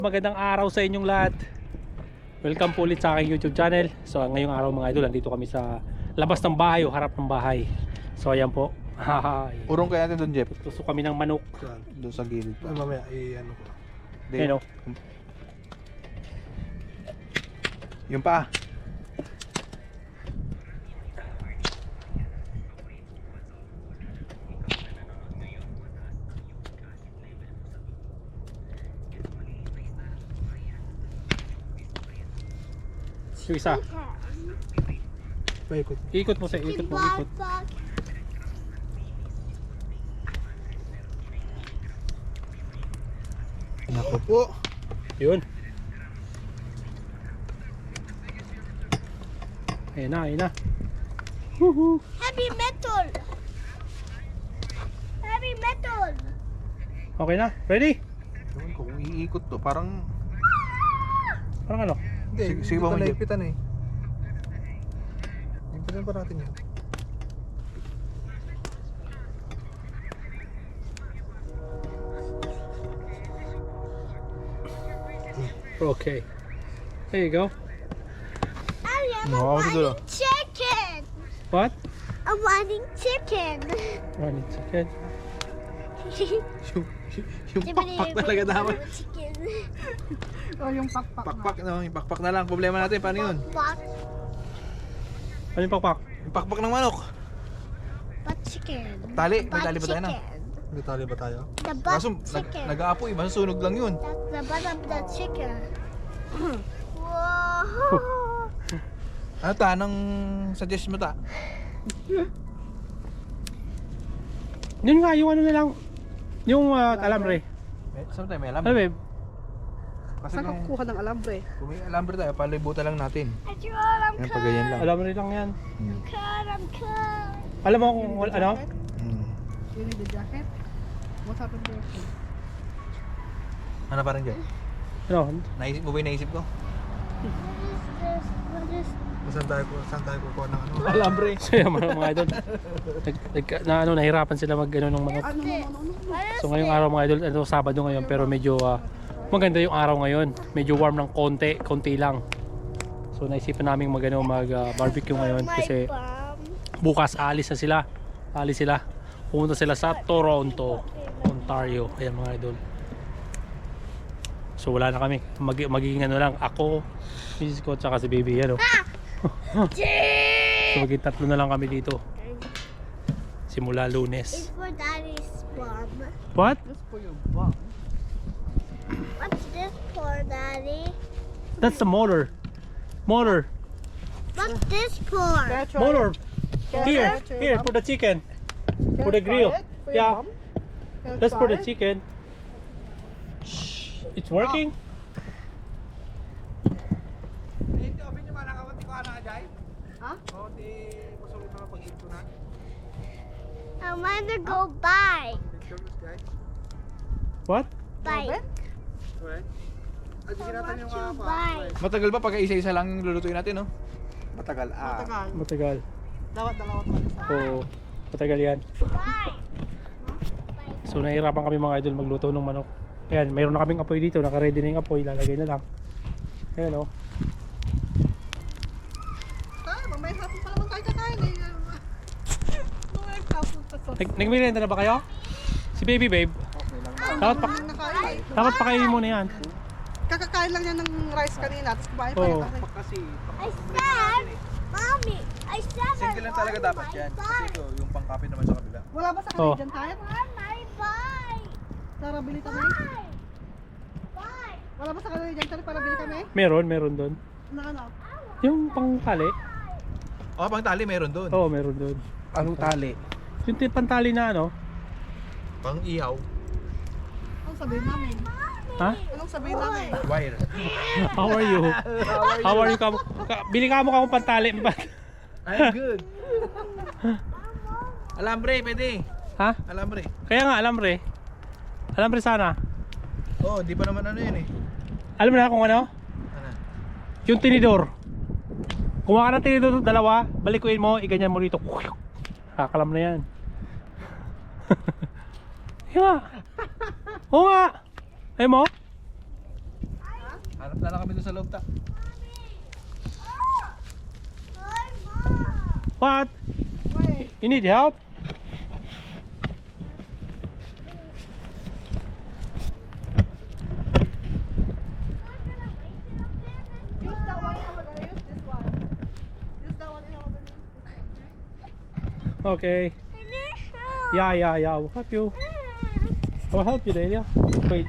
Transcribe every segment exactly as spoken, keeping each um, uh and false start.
Magandang araw sa inyong lahat. Welcome po ulit sa aking YouTube channel. So ngayong araw mga idol, nandito kami sa labas ng bahay o harap ng bahay. So ayan po. Urong kaya natin doon, Jeff. Gusto kami ng manok. Doon sa gilid. Ay, mamaya, i-ano ko. Ayan o. Yung pa. Yung isa. Paikot. Ikot mo sa ikot mo, ikot. Naku po. Yun. Ayan na, ayan na. Woohoo. Heavy metal! Heavy metal! Okay na, ready? Ewan ko kung iikot to, parang... Parang ano? Hindi, Sige- hindi sige pa ba mo, Jeff? naipitan eh. Ipitan pa natin yan. Okay. There you go. I am No, a ako dulo. wanting chicken! What? A wanting chicken! Running chicken. yung, yung pakpak talaga dapat. Chicken. O yung pakpak na. Pakpak, no? Yung pakpak na lang. Problema natin, paano yun? What? Ano yung pakpak? Yung pakpak ng manok. But chicken. Tali, may But tali ba tayo na? chicken. May tali ba tayo? The butt Kaso, nag, chicken. nag-aapoy, masusunog lang yun. That's the butt of the chicken. Whoa! Ano ta, anong suggest mo ta? Yun nga, yung ano na lang. Yung uh, alambre. May, saan tayo, may Ano alambre? babe? Kasi Saan ka kung, kukuha ng alambre? kung may alambre tayo, palibutan lang natin. I draw I'm Yan, pagayan lang. Alambre lang yan. Hmm. cut, I'm cut. Alam mo kung wal- ano? Hmm. You need the jacket? What happened to your phone? Ano pa rin dyan? Ano? Naisip mo ba yung naisip ko? What is this? What is Saan tayo, saan tayo kukuha ng ano? Alambre. So yan mga, mga idol. Nag, nag, na, ano, nahirapan sila mag ano ng manok. Ano, ano, this? ano, ano? What is So ngayong araw mga idol, ano, Sabado ngayon pero medyo ah, maganda yung araw ngayon. Medyo warm ng konti, konti lang. So naisipan namin mag, ano, mag ah, barbecue ngayon my kasi bum? bukas aalis na sila. Aalis sila. Pumunta sila sa Toronto, Ontario. Ayan mga idol. So wala na kami. Mag, magiging ano lang, ako, misis ko, tsaka si baby. Ano. So magiging tatlo na lang kami dito. Simula It's Lunes. for daddy's bum. What? Just for your bum. What's this for, daddy? That's the motor. Motor. What's this for? Can I try Motor. it? Can I Here, try it for your here, bum? for the chicken. Can for I the try grill. it for your Yeah. bum? Can I That's for try the it? chicken. Shh. It's working? Ha? I want to go bike. What? Bike. Robin? I want to bike. Matagal ba pag isa-isa lang yung lulutuin natin, no? Matagal. Ah. Matagal. Matagal. Dawat dalawat pa isa. Oo. Matagal yan. Bike. So nahihirapan kami mga idol magluto ng manok. Ayan, mayroon na kaming apoy dito. Naka-ready na yung apoy. Lalagay na lang. Ayan o. Ah, mamaya hapon pa naman tayo kakain eh. Mamaya hapon pa sa... Nag Nagmerienda na ba kayo? Si baby babe. Dapat pa Hindi nakain. dapat pakainin mo na yan. Kakakain lang niya ng rice kanina, tapos kumain pa Oo. yung kami. Kasi, I said, mommy, I said single lang I talaga want dapat my yan. Kasi bike. ito, yung pangkape naman sa kabila. Wala ba sa Oo. Canadian tayo? I want my bike. Tara, bili kami. Bike. Bike. Wala ba sa Canadian tayo para bili kami? Meron, meron doon. Na ano? Yung pangtali. Oh, pang tali meron doon. Oo, meron doon. Anong tali? Yung ti- pantali na ano? Pang ihaw. Anong sabihin namin? Ha? Anong sabihin namin? Wire. How are you? How are you? Ka, ka, bili ka mo ka kung pantali. I'm good. Alambre, pwede. Ha? Alambre. Kaya nga, alambre. Alambre sana. Oh, di pa naman ano yun eh. Alam mo na kung ano? Ano? Yung tinidor. Kumuha ka ng tinidor, dalawa, balikuin mo, iganyan mo dito. Kakalam na yan. Yung nga. Oo nga. Ayun mo. Hanap na lang kami doon sa loob ta. What? Wait. You need help? Use that one. I'm gonna use this one. Use that one. I'm gonna use Okay. Yeah, yeah, yeah. I'll help you. I'll help you, Delia. Wait.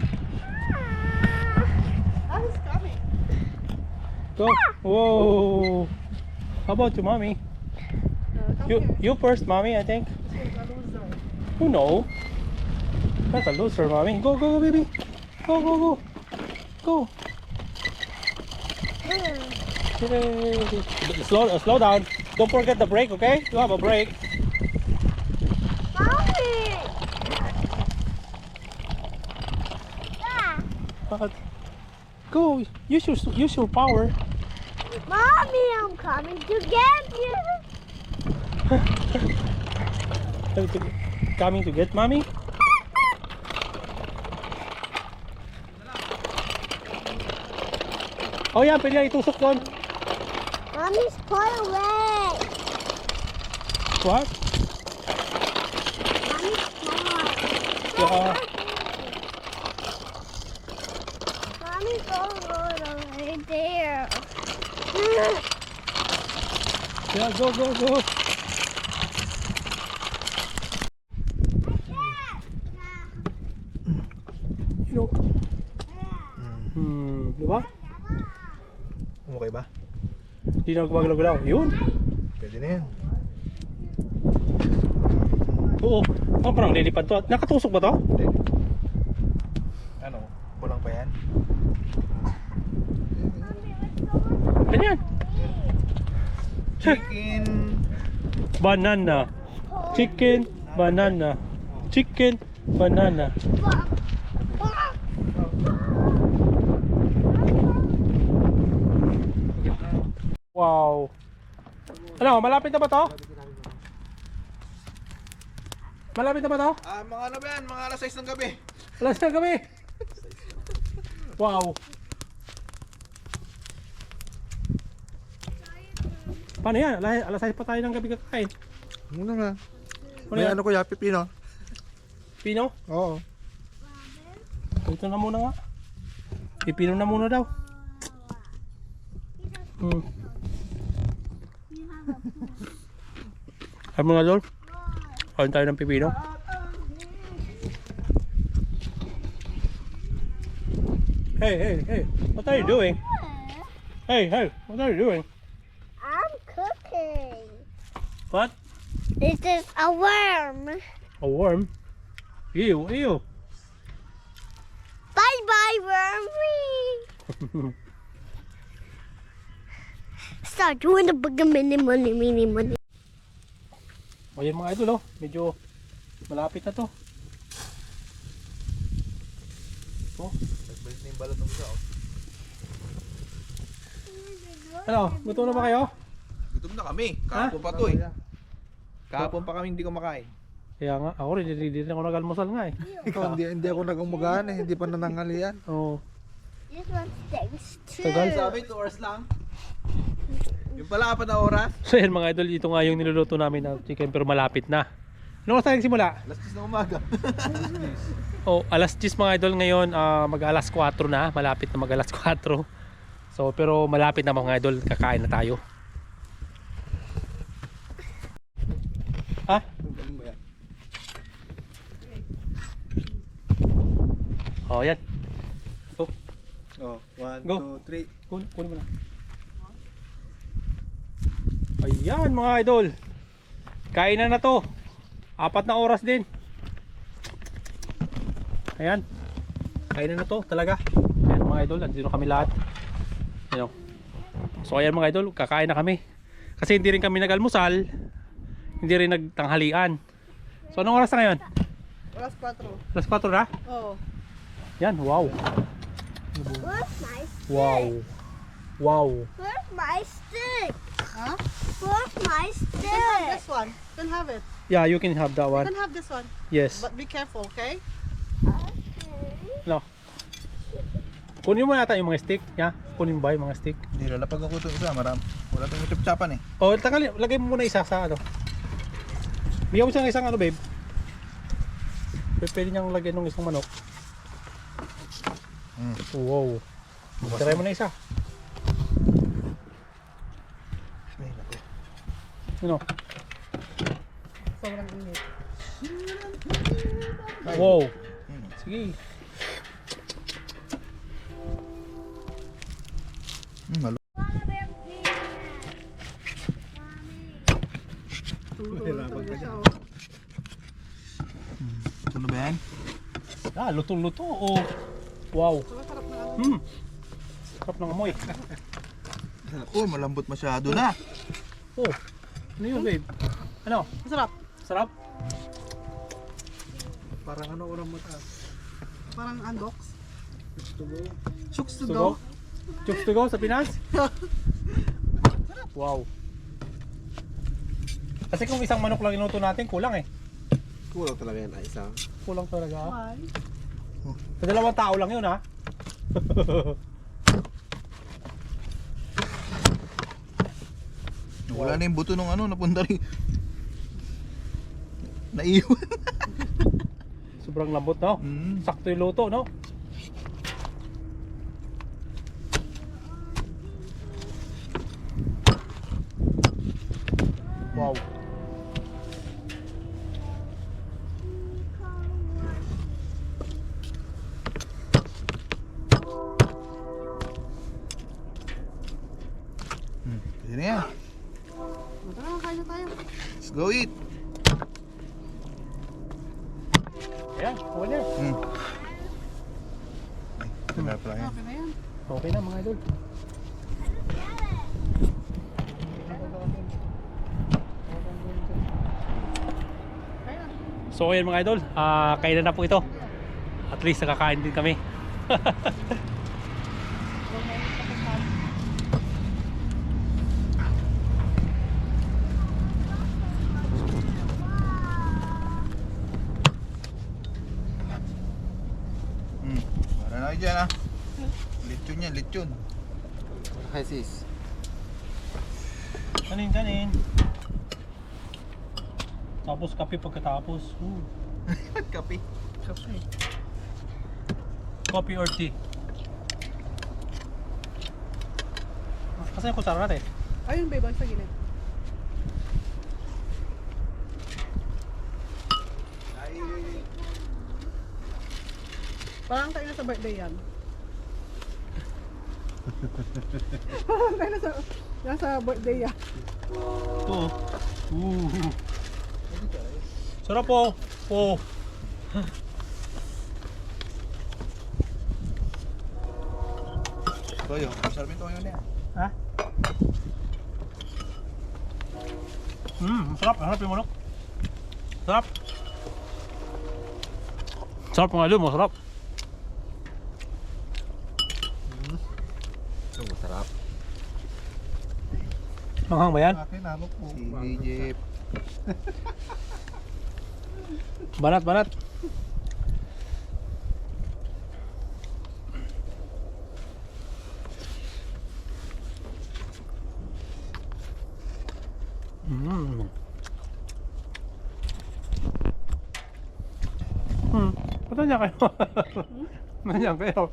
Ah, he's coming. Go. Whoa. How about you, mommy? Uh, come You here. you first, mommy, I think. This one's a loser. Who know? That's a loser, mommy. Go, go, go, baby. Go, go, go. Go. Yay. Slow, uh, slow down. Don't forget the brake, okay? You have a brake. Mommy! Yeah. But go. Use your use your power. Mommy, I'm coming to get you. Coming to get mommy. Oh yeah, pwede na itusok doon. Mommy's far away. What? Mommy's far. Yeah. Mommy's all over there. Yeah, go, go, go. You know. Hmm, di ba? Okay ba? Hindi na gumagalaw-galaw. Yun. Pwede na yan. Oo. Oh, parang lilipad to. Nakatusok ba to? Hindi. Ano? Kulang pa yan? Ganyan. Chicken. Banana. Chicken, banana. Chicken, banana. Wow. Ano, malapit na ba to? Malapit na ba to? Ah, mga ano ba yan? Mga alas sais ng gabi. Alas na kami. Wow. Paano yan? Alas, alas sais pa tayo ng gabi kakain. Muna nga. Ano May yan? ano ko ya, pipino. Pino? Oo. Ito na muna nga. Pipino na muna daw. Hmm. Ay mga lol. Kain tayo ng pipino. Hey, hey, hey. What are you doing? Hey, hey. What are you doing? I'm cooking. What? This is a worm. A worm? Ew, ew. Bye bye, wormy. Start doing the big mini money, mini money. O yan mga idol, oh. Medyo malapit na to. Oh. Nagbalik na yung balot ng isa. Oh. Ano? Gutom na ba kayo? Gutom na kami. Kahapon pa to eh. Kahapon pa kami hindi kumakain. Kaya nga, ako rin, hindi rin ako nag-almusal nga eh. Ikaw, hindi, hindi ako nagumugaan eh. Hindi pa nanangalian. Oo. This one stinks too. Tagal. Sabi, two hours lang. Yung pala, apat na oras. So yan mga idol, ito nga yung niluluto namin na chicken pero malapit na. Ano oras tayo nagsimula? Alas diyes na umaga. Oh, alas diyes mga idol ngayon, ah, mag alas kwatro na, malapit na mag alas kwatro. So pero malapit na mga idol, kakain na tayo. Ha? Oh, yan. Go. Oh, one, Go. two, three. Kun kunin mo na. Ayan mga idol. Kain na na to. Apat na oras din. Ayan. Kain na na to talaga. Ayan mga idol, andito kami lahat. Ayan. So ayan mga idol, kakain na kami. Kasi hindi rin kami nag-almusal. Hindi rin nagtanghalian. So anong oras na ngayon? Alas cuatro. alas kwatro na? Oh. Yan, wow. Where's my stick? Wow. Wow. Where's my stick? Huh? Where's my You can have stick? this one. You can have it. Yeah, you can have that You one. can have this one. Yes. But be careful, okay? No. Kunin mo yata yung mga stick, ya. Kunin ba yung mga stick? Hindi, lalapag ako itong isa. Maram. Wala itong chap-chapan eh. O, tangali, lagay mo muna isa sa ano. Bigyan mo siya ng isang ano, babe. P- Pwede niyang lagyan ng isang manok. Hmm. Wow. Try mo na isa. Ay, naku. Ano? Sobrang init. Wow. Hmm. Sige. Hmm, malo. Tulog talaga siya. Oh. Ito na ba yan? Ah, luto-luto. Oh. Wow. Masarap na ano. Hmm. Sarap ng amoy. Oh, malambot masyado na. Oh. Ano yun, babe? Ano? Masarap. Sarap? Parang ano urang mata. Parang unbox. Chooks to To go. go? Chooks to go sa Pinas? Wow. Kasi kung isang manok lang inuto natin, kulang eh. Kulang talaga yan ay isa. Kulang talaga. Why? Sa dalawang tao lang yun ha. Wala na yung buto nung ano, napunta rin. Naiwan. Sobrang lambot no? Mm. Sakto yung luto no? Wow. Hmm. Pwede na yan. Tara, kain na tayo. Let's go eat. Ayan, okay na. Hmm. Ay, tagal pala yan. Okay na yan. Okay na mga idol. Kain na. So ayan mga idol, ah kainan na po ito. At least nakakain din kami. Hmm. Para na kayo dyan ah. Lechon yan, lechon. Hi sis. Kanin, kanin. Tapos kape pagkatapos. Ooh. Kape. Coffee or tea? Kasi yung kutsara natin. Ayun, babe, ang sa gilid. Parang tayo na sa birthday yan. Parang tayo na sa, nasa birthday yan. Ito. Ooh. Sarap po. Oh. Toyo. Sarap yung toyo na yan. Ha? Hmm, sarap. Sarap yung manok. Sarap. Sarap mga idol, masarap. Ito masarap. Manghang ba yan? Akin ano po. Si Jeep. Banat, banat. Mm. Hmm. Ba't nandiyan kayo? Nandiyan kayo.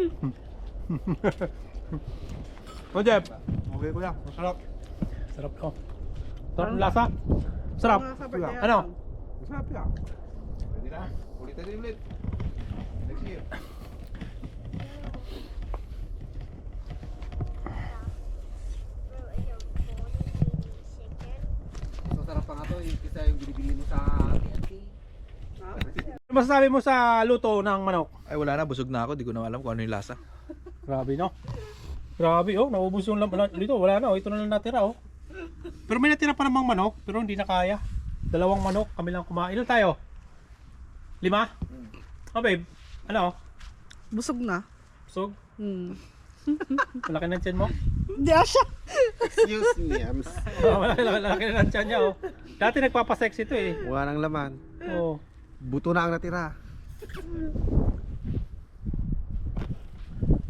O Jeff, Okay kuya, masarap. sarap to. Sarap ng lasa. Sarap. Parang nasa birthday yan. Ano? Masarap yan. Pwede na. Ulit natin ulit. Next year. Masarap pa nga to, yung isa yung binibili mo sa T N T. Ano masasabi mo sa luto ng manok? Ay wala na, busog na ako. Di ko na alam kung ano yung lasa. Grabe no? Grabe oh, naubos yung lam- dito, wala na oh, ito na lang natira oh. Pero may natira pa namang manok, pero hindi na kaya. Dalawang manok, kami lang kumain. Ilan tayo? Lima? Oh babe, ano? Busog na. Busog? Hmm. Malaki ng tiyan mo? Hindi ah siya. Excuse me, I'm s- Oh, malaki, malaki, malaki na ng tiyan niya oh. Dati nagpapasex ito eh. wala nang laman. Oh. Buto na ang natira.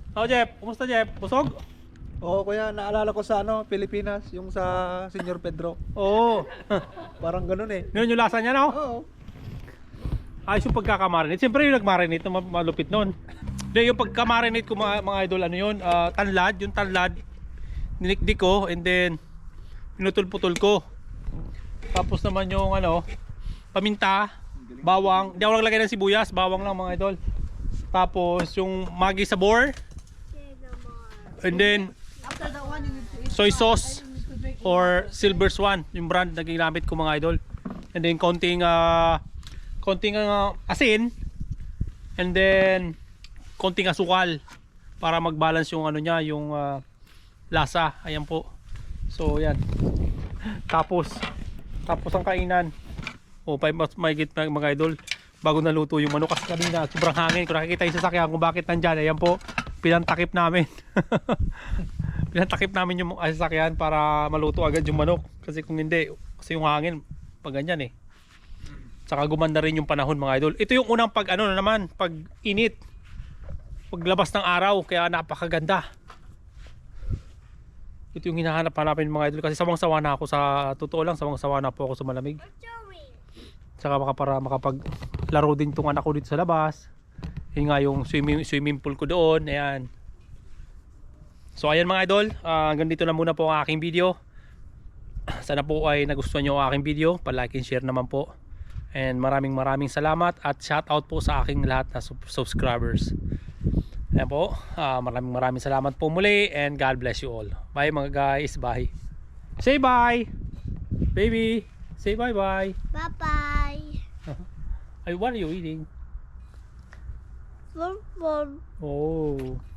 Oh, Jeff. Kumusta, Jeff? Busog? Oo, kuya, naalala ko sa ano, Pilipinas, yung sa Senyor Pedro. Oo. Parang ganun eh. Ganun yung lasa niya, no? Oo. Ayos yung pagkakamarinate. Siyempre yung nagmarinate na ma- malupit nun. Hindi, yung pagkamarinate ko mga, mga idol, ano yun? ah, tanlad. Yung tanlad, ninikdik ko and then pinutol-putol ko. Tapos naman yung ano, paminta, bawang. Hindi ako naglagay ng sibuyas, bawang lang mga idol. Tapos yung magi sabor. And then After that one, you need to eat. soy sauce You need to drink. or Silver Swan, yung brand na ginamit ko mga idol. And then konting ah, konting ah, asin. And then konting asukal para mag-balance yung ano niya, yung ah, lasa. Ayan po. So yan. Tapos tapos ang kainan. O pa may git mga idol bago naluto yung manok kasi kanina sobrang hangin. Kung nakikita yung sasakyan kung bakit nandyan, ayan po, pinantakip namin. Pinantakip namin yung sasakyan para maluto agad yung manok. Kasi kung hindi, kasi yung hangin pag ganyan eh. Saka gumanda rin yung panahon mga idol. Ito yung unang pag ano na naman, pag init, paglabas ng araw, kaya napakaganda. Ito yung hinahanap hanapin mga idol kasi sawang-sawa na ako sa totoo lang, sawang-sawa na po ako sa malamig. Saka maka para makapaglaro din tong anak ko dito sa labas. Yun nga yung swimming, swimming pool ko doon. Ayan. So ayan mga idol, uh, hanggang dito na muna po ang aking video. Sana po ay nagustuhan nyo ang aking video. Pa-like and share naman po. And maraming maraming salamat at shout out po sa aking lahat na sub subscribers. Ayan po, uh, maraming maraming salamat po muli and God bless you all. Bye mga guys, bye. Say bye. Baby, say bye bye. Bye bye. Ay, what are you eating? Fun, fun. Oh.